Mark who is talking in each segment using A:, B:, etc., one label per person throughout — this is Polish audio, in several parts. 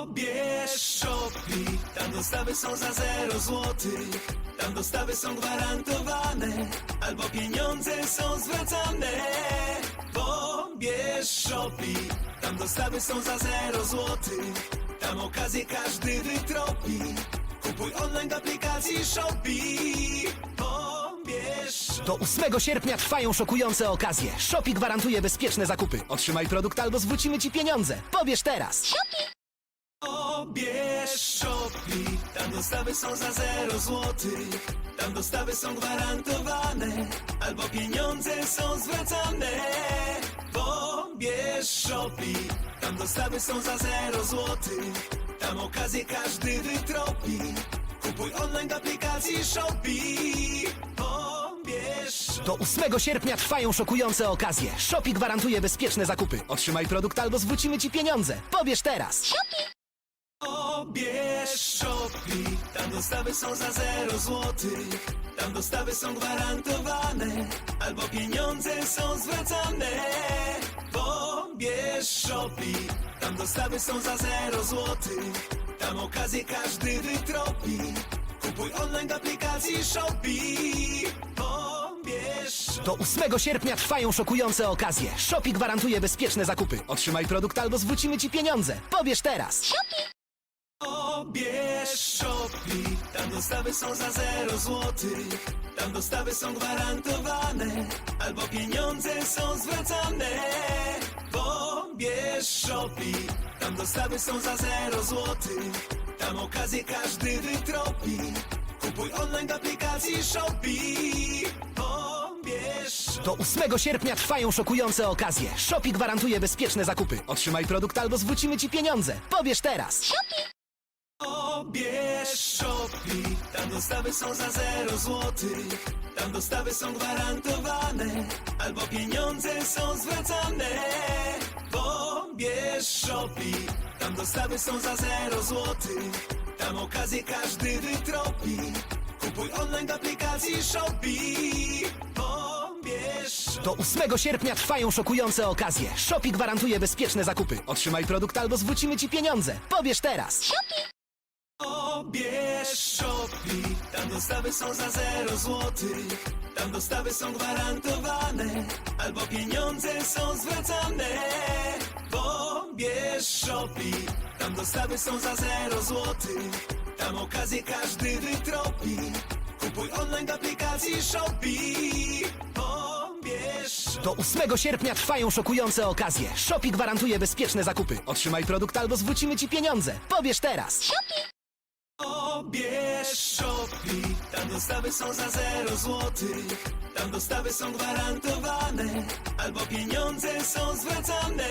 A: Pobierz Shopee, tam dostawy są za 0 złotych. Tam dostawy są gwarantowane, albo pieniądze są zwracane. Pobierz Shopee, tam dostawy są za 0 złotych. Tam okazję każdy wytropi. Kupuj online w aplikacji Shopee. Pobierz.
B: Do 8 sierpnia trwają szokujące okazje. Shopee gwarantuje bezpieczne zakupy. Otrzymaj produkt albo zwrócimy Ci pieniądze. Pobierz teraz!
A: Pobierz Shopee, tam dostawy są za 0 złotych. Tam dostawy są gwarantowane, albo pieniądze są zwracane. Pobierz Shopee, tam dostawy są za 0 złotych. Tam okazję każdy wytropi. Kupuj online w aplikacji Shopee. Pobierz.
B: Do 8 sierpnia trwają szokujące okazje. Shopee gwarantuje bezpieczne zakupy. Otrzymaj produkt albo zwrócimy Ci pieniądze. Pobierz teraz!
A: Pobierz Shopee, tam dostawy są za 0 złotych. Tam dostawy są gwarantowane, albo pieniądze są zwracane. Pobierz Shopee, tam dostawy są za 0 złotych. Tam okazję każdy wytropi. Kupuj online w aplikacji Shopee. Pobierz.
B: Do 8 sierpnia trwają szokujące okazje. Shopee gwarantuje bezpieczne zakupy. Otrzymaj produkt albo zwrócimy Ci pieniądze. Pobierz teraz!
A: Pobierz Shopee, tam dostawy są za 0 złotych. Tam dostawy są gwarantowane, albo pieniądze są zwracane. Pobierz Shopee, tam dostawy są za 0 złotych. Tam okazję każdy wytropi. Kupuj online w aplikacji Shopee. Pobierz.
B: Do 8 sierpnia trwają szokujące okazje. Shopee gwarantuje bezpieczne zakupy. Otrzymaj produkt albo zwrócimy Ci pieniądze. Pobierz teraz!
A: Pobierz Shopee, tam dostawy są za 0 złotych. Tam dostawy są gwarantowane, albo pieniądze są zwracane. Pobierz Shopee, tam dostawy są za 0 złotych. Tam okazję każdy wytropi. Kupuj online w aplikacji Shopee. Pobierz.
B: Do 8 sierpnia trwają szokujące okazje. Shopee gwarantuje bezpieczne zakupy. Otrzymaj produkt albo zwrócimy Ci pieniądze. Pobierz teraz!
A: Pobierz Shopee, tam dostawy są za 0 złotych. Tam dostawy są gwarantowane, albo pieniądze są zwracane. Pobierz Shopee, tam dostawy są za 0 złotych. Tam okazję każdy wytropi. Kupuj online w aplikacji Shopee. Pobierz.
B: Do 8 sierpnia trwają szokujące okazje. Shopee gwarantuje bezpieczne zakupy. Otrzymaj produkt albo zwrócimy Ci pieniądze. Pobierz teraz!
A: Pobierz Shopee, tam dostawy są za 0 złotych. Tam dostawy są gwarantowane, albo pieniądze są zwracane.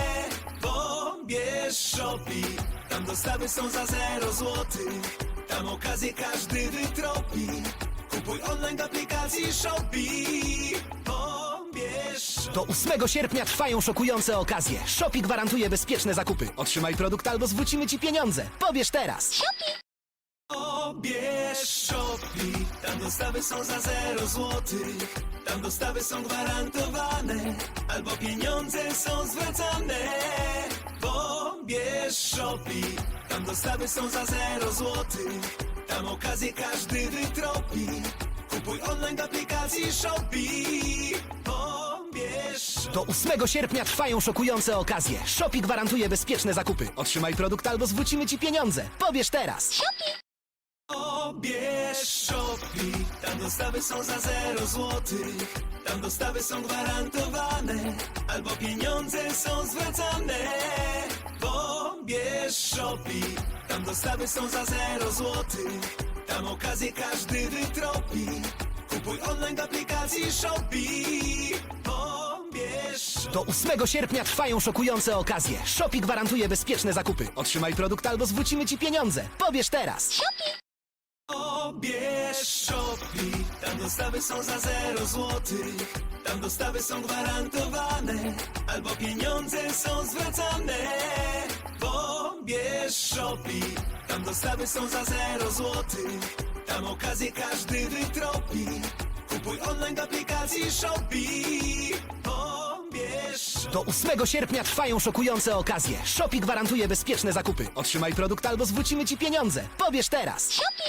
A: Pobierz Shopee, tam dostawy są za 0 złotych. Tam okazję każdy wytropi. Kupuj online w aplikacji Shopee. Pobierz.
B: Do 8 sierpnia trwają szokujące okazje. Shopee gwarantuje bezpieczne zakupy. Otrzymaj produkt albo zwrócimy Ci pieniądze. Pobierz teraz!
A: Pobierz Shopee, tam dostawy są za 0 złotych. Tam dostawy są gwarantowane, albo pieniądze są zwracane. Pobierz Shopee, tam dostawy są za 0 złotych. Tam okazję każdy wytropi. Kupuj online w aplikacji Shopee. Pobierz.
B: Do 8 sierpnia trwają szokujące okazje. Shopee gwarantuje bezpieczne zakupy. Otrzymaj produkt albo zwrócimy Ci pieniądze. Pobierz teraz!
A: Pobierz Shopee, tam dostawy są za 0 złotych. Tam dostawy są gwarantowane, albo pieniądze są zwracane. Pobierz Shopee, tam dostawy są za 0 złotych. Tam okazję każdy wytropi. Kupuj online w aplikacji Shopee. Pobierz.
B: Do 8 sierpnia trwają szokujące okazje. Shopee gwarantuje bezpieczne zakupy. Otrzymaj produkt albo zwrócimy Ci pieniądze. Pobierz teraz!
A: Pobierz Shopee, tam dostawy są za 0 złotych. Tam dostawy są gwarantowane, albo pieniądze są zwracane. Pobierz Shopee, tam dostawy są za 0 złotych. Tam okazję każdy wytropi. Kupuj online w aplikacji Shopee. Pobierz.
B: Do 8 sierpnia trwają szokujące okazje. Shopee gwarantuje bezpieczne zakupy. Otrzymaj produkt albo zwrócimy ci pieniądze. Pobierz teraz.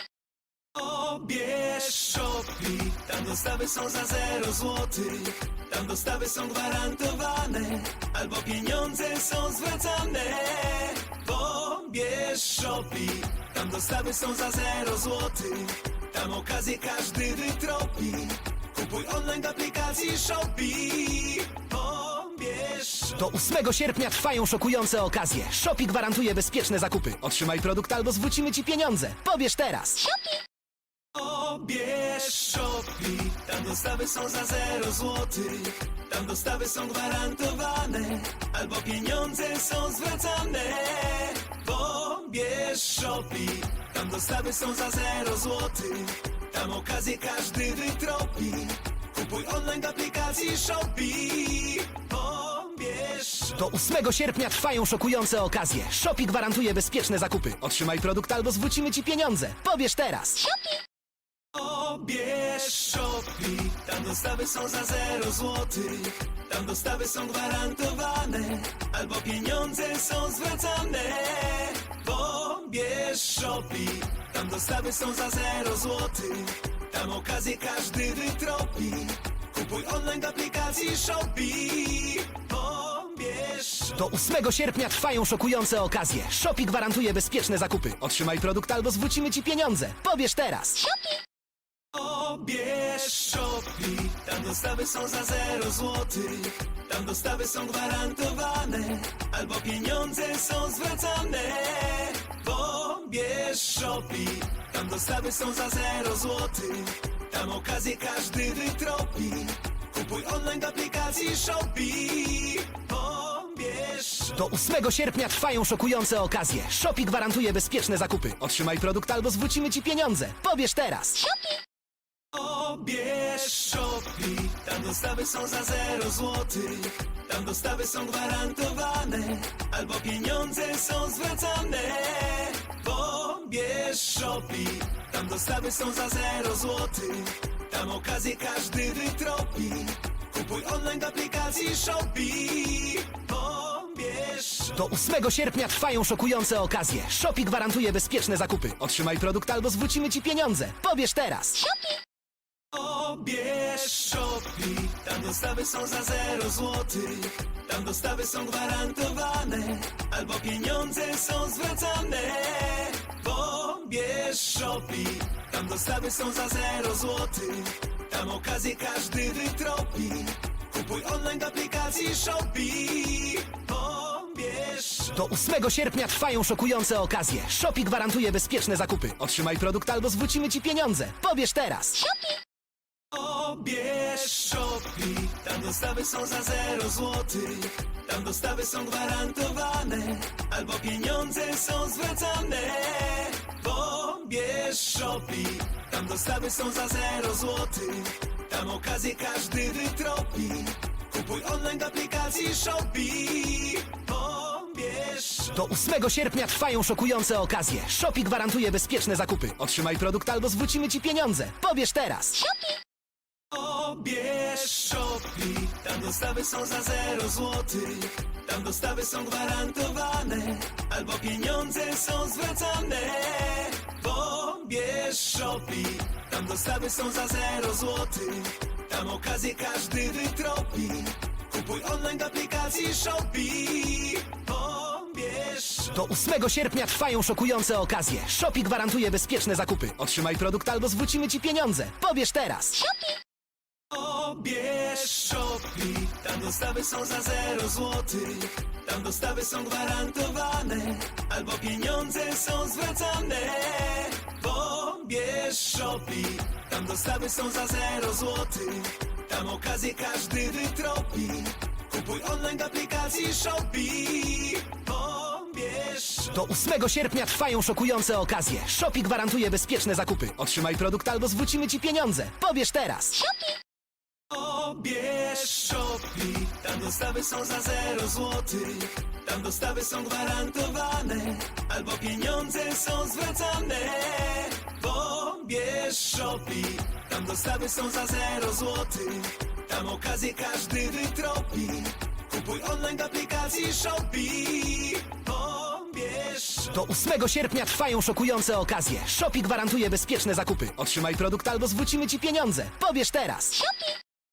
A: Pobierz Shopee, tam dostawy są za 0 złotych. Tam dostawy są gwarantowane, albo pieniądze są zwracane. Pobierz Shopee, tam dostawy są za 0 złotych. Tam okazję każdy wytropi. Kupuj online w aplikacji Shopee. Pobierz Shopee.
B: Do 8 sierpnia trwają szokujące okazje. Shopee gwarantuje bezpieczne zakupy. Otrzymaj produkt albo zwrócimy ci pieniądze. Pobierz teraz.
A: Pobierz Shopee, tam dostawy są za 0 złotych. Tam dostawy są gwarantowane, albo pieniądze są zwracane. Pobierz Shopee, tam dostawy są za 0 złotych. Tam okazję każdy wytropi. Kupuj online w aplikacji Shopee. Pobierz Shopee.
B: Do 8 sierpnia trwają szokujące okazje. Shopee gwarantuje bezpieczne zakupy. Otrzymaj produkt albo zwrócimy ci pieniądze. Pobierz teraz.
A: Pobierz Shopee, tam dostawy są za 0 złotych. Tam dostawy są gwarantowane, albo pieniądze są zwracane. Pobierz Shopee, tam dostawy są za 0 złotych. Tam okazję każdy wytropi. Kupuj online w aplikacji Shopee. Pobierz Shopee.
B: Do 8 sierpnia trwają szokujące okazje. Shopee gwarantuje bezpieczne zakupy. Otrzymaj produkt albo zwrócimy ci pieniądze. Pobierz teraz.
A: Pobierz Shopee, tam dostawy są za 0 złotych. Tam dostawy są gwarantowane, albo pieniądze są zwracane. Pobierz Shopee, tam dostawy są za 0 złotych. Tam okazję każdy wytropi. Kupuj online w aplikacji Shopee. Pobierz Shopee.
B: Do 8 sierpnia trwają szokujące okazje. Shopee gwarantuje bezpieczne zakupy. Otrzymaj produkt albo zwrócimy ci pieniądze. Pobierz teraz.
A: Pobierz Shopee, tam dostawy są za 0 złotych. Tam dostawy są gwarantowane, albo pieniądze są zwracane. Pobierz Shopee, tam dostawy są za 0 złotych. Tam okazję każdy wytropi. Kupuj online w aplikacji Shopee. Pobierz Shopee.
B: Do 8 sierpnia trwają szokujące okazje. Shopee gwarantuje bezpieczne zakupy. Otrzymaj produkt albo zwrócimy ci pieniądze. Pobierz teraz.
A: Pobierz Shopee, tam dostawy są za 0 złotych. Tam dostawy są gwarantowane, albo pieniądze są zwracane. Pobierz Shopee, tam dostawy są za 0 złotych. Tam okazję każdy wytropi. Kupuj online w aplikacji Shopee. Pobierz Shopee.
B: Do 8 sierpnia trwają szokujące okazje. Shopee gwarantuje bezpieczne zakupy. Otrzymaj produkt albo zwrócimy ci pieniądze. Pobierz teraz.
A: Pobierz Shopee, tam dostawy są za 0 złotych. Tam dostawy są gwarantowane, albo pieniądze są zwracane. Pobierz Shopee, tam dostawy są za 0 złotych. Tam okazję każdy wytropi. Kupuj online w aplikacji Shopee. Pobierz Shopee.
B: Do 8 sierpnia trwają szokujące okazje. Shopee gwarantuje bezpieczne zakupy. Otrzymaj produkt albo zwrócimy ci pieniądze. Pobierz teraz.
A: Pobierz Shopee, tam dostawy są za 0 złotych. Tam dostawy są gwarantowane, albo pieniądze są zwracane. Pobierz Shopee, tam dostawy są za 0 złotych. Tam okazję każdy wytropi. Kupuj online w aplikacji Shopee. Pobierz Shopee.
B: Do 8 sierpnia trwają szokujące okazje. Shopee gwarantuje bezpieczne zakupy. Otrzymaj produkt albo zwrócimy ci pieniądze. Pobierz teraz.
A: Pobierz Shopee, tam dostawy są za 0 złotych. Tam dostawy są gwarantowane, albo pieniądze są zwracane. Pobierz Shopee, tam dostawy są za 0 złotych. Tam okazję każdy wytropi. Kupuj online w aplikacji Shopee. Pobierz Shopee.
B: Do 8 sierpnia trwają szokujące okazje. Shopee gwarantuje bezpieczne zakupy. Otrzymaj produkt albo zwrócimy ci pieniądze. Pobierz teraz.
A: Pobierz Shopee, tam dostawy są za 0 złotych. Tam dostawy są gwarantowane, albo pieniądze są zwracane. Pobierz Shopee, tam dostawy są za 0 złotych. Tam okazję każdy wytropi. Kupuj online online w aplikacji Shopee. Pobierz
B: Do 8 sierpnia trwają szokujące okazje. Shopee gwarantuje bezpieczne zakupy. Otrzymaj produkt albo zwrócimy ci pieniądze. Pobierz teraz!